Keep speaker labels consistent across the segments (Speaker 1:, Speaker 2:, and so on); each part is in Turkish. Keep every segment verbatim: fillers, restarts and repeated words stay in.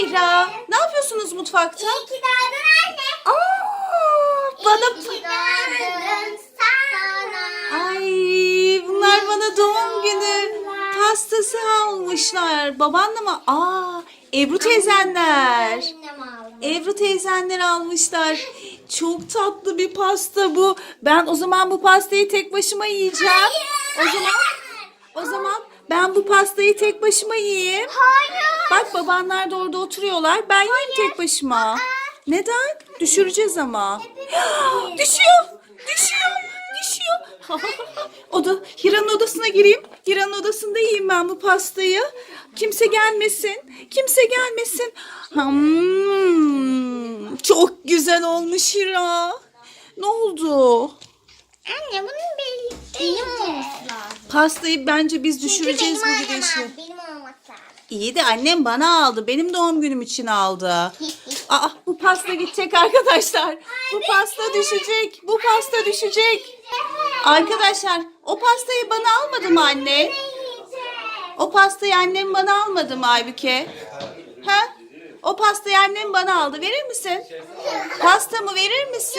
Speaker 1: Hira. Ne yapıyorsunuz mutfakta?
Speaker 2: İyi ki doğdun anne.
Speaker 1: Aa, bana...
Speaker 2: İyi ki doğdun sana.
Speaker 1: Ay, bunlar bana doğum günü pastası almışlar. Babanla mı? Aa, Ebru teyzenler.
Speaker 2: Annem aldı.
Speaker 1: Ebru teyzenler almışlar. Çok tatlı bir pasta bu. Ben o zaman bu pastayı tek başıma yiyeceğim. O zaman o zaman ben bu pastayı tek başıma yiyeyim.
Speaker 2: Hayır.
Speaker 1: Bak babanlar da orada oturuyorlar. Ben yiyeyim tek başıma. Neden? Düşüreceğiz ama. Düşüyor. Düşüyor. Düşüyor. O da Hira'nın odasına gireyim. Hira'nın odasında yiyeyim ben bu pastayı. Kimse gelmesin. Kimse gelmesin. Hmm, çok güzel olmuş Hira. Ne oldu?
Speaker 2: Anne bunun benim, benim olması lazım.
Speaker 1: Pastayı bence biz düşüreceğiz bu
Speaker 2: Çünkü benim
Speaker 1: gidişle.
Speaker 2: annem aldı, benim olması lazım.
Speaker 1: İyi de annem bana aldı. Benim doğum günüm için aldı. Aa, bu pasta gidecek arkadaşlar. Bu pasta düşecek. Bu pasta düşecek. Arkadaşlar o pastayı bana almadı mı anne? O pastayı annem bana almadı mı Aybüke? Ha? O pastayı annem bana aldı. Verir misin? Pastamı verir misin?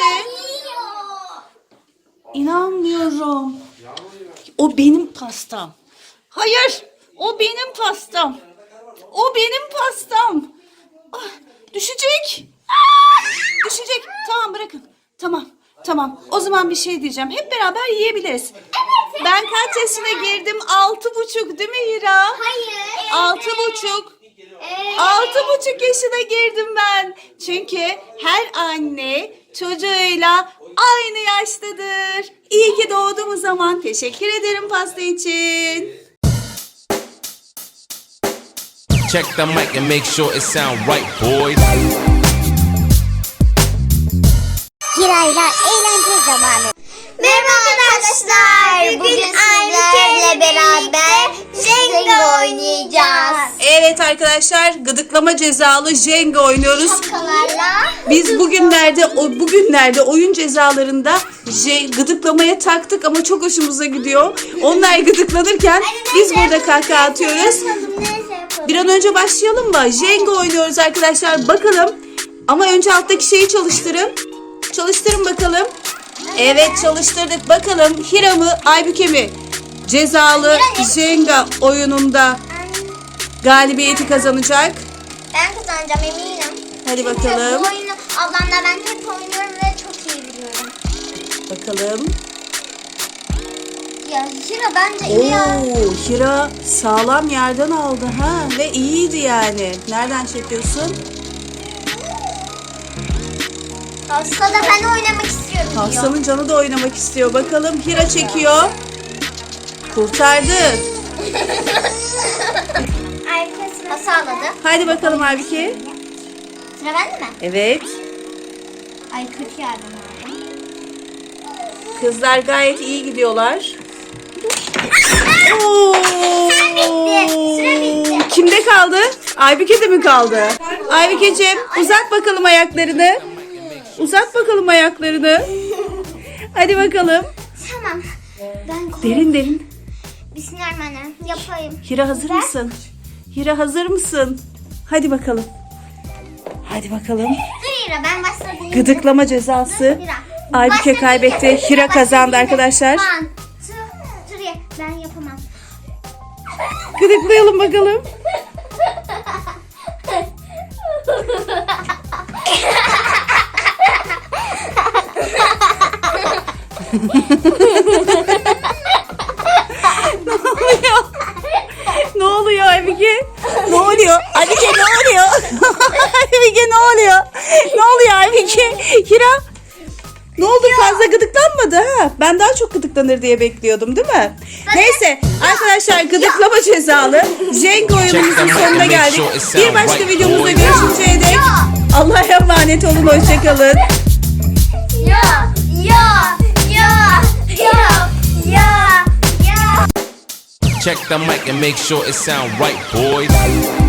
Speaker 1: İnanmıyorum. O benim pastam. Hayır. O benim pastam. O benim pastam. Ah, düşecek. Ah, düşecek. Tamam bırakın. Tamam. Tamam. O zaman bir şey diyeceğim. Hep beraber yiyebiliriz.
Speaker 2: Evet.
Speaker 1: Ben kaç yaşına girdim? Altı buçuk değil mi Hira?
Speaker 2: Hayır.
Speaker 1: Altı buçuk.
Speaker 2: Evet.
Speaker 1: Altı buçuk yaşına girdim ben. Çünkü her anne çocuğuyla aynı yaştadır. İyi ki doğdum o zaman. Teşekkür ederim pasta için.
Speaker 3: Check the mic and make sure it sound right, boys.
Speaker 2: Hira'yla eğlence zamanı. Merhaba arkadaşlar. Bugün sizlerle beraber Jenga oynayacağız.
Speaker 1: Evet arkadaşlar, gıdıklama cezalı Jenga oynuyoruz.
Speaker 2: Şapkalarla.
Speaker 1: Biz bugünlerde o bugünlerde oyun cezalarında je- gıdıklamaya taktık ama çok hoşumuza gidiyor. Onlar gıdıklanırken biz burada kahkaha atıyoruz.
Speaker 2: Neyse yapalım.
Speaker 1: Bir an önce başlayalım mı? Jenga oynuyoruz arkadaşlar. Bakalım. Ama önce alttaki şeyi çalıştırın. Çalıştırın bakalım. Evet çalıştırdık. Bakalım Hira mı Aybüke mi? Cezalı Jenga oyununda galibiyeti kazanacak.
Speaker 2: Ben kazanacağım eminim.
Speaker 1: Hadi
Speaker 2: Çünkü
Speaker 1: bakalım.
Speaker 2: bu oyunu ablamla ben hep oynuyorum ve çok iyi biliyorum.
Speaker 1: Bakalım.
Speaker 2: Ya Hira bence iyi ya.
Speaker 1: Oo, Hira sağlam yerden aldı ha ve iyiydi yani. Nereden çekiyorsun?
Speaker 2: Hasta da ben oynamak istiyorum diyor.
Speaker 1: Hastanın canı da oynamak istiyor. Bakalım Hira çekiyor. Kurtardı.
Speaker 2: Arkasına sağladı.
Speaker 1: Haydi bakalım Aybüke.
Speaker 2: Sıra bende mi?
Speaker 1: Evet.
Speaker 2: Ay kötü yardım aldım.
Speaker 1: Kızlar gayet iyi gidiyorlar. Oo.
Speaker 2: bitti, süre bitti.
Speaker 1: Kimde kaldı? Aybüke'de mi kaldı? Aybükeciğim uzat bakalım ayaklarını. Uzat bakalım ayaklarını. Hadi bakalım.
Speaker 2: Tamam. Ben kork-
Speaker 1: Derin derin.
Speaker 2: Bismillahirrahmanirrahim. Yapayım.
Speaker 1: Hira hazır
Speaker 2: Ben-
Speaker 1: mısın? Hira hazır mısın? Hadi bakalım. Hadi bakalım.
Speaker 2: Dur Hira ben başladım.
Speaker 1: Gıdıklama cezası.
Speaker 2: Hira.
Speaker 1: Aybüke
Speaker 2: Başla
Speaker 1: kaybetti.
Speaker 2: Hira.
Speaker 1: Hira
Speaker 2: Başla
Speaker 1: kazandı
Speaker 2: Hira.
Speaker 1: arkadaşlar.
Speaker 2: One, two, three. Ben yapamam.
Speaker 1: Gıdıklayalım bakalım. Ne oluyor? Ne oluyor Aybüke? Ne oluyor? Aybüke ne oluyor? Aybüke ne oluyor? Ne oluyor Aybüke? Hira? Ne oldu fazla gıdıklanmadı ha? Ben daha çok gıdıklanır diye bekliyordum değil mi? Neyse arkadaşlar gıdıklama cezalı Jenga oyunumuzun sonuna geldik. Bir başka videomuzda görüşünceye dek Allah'a emanet olun, hoşçakalın.
Speaker 2: Ya, ya, ya, ya, ya, ya.
Speaker 3: Check the mic and make sure it sound right, boys.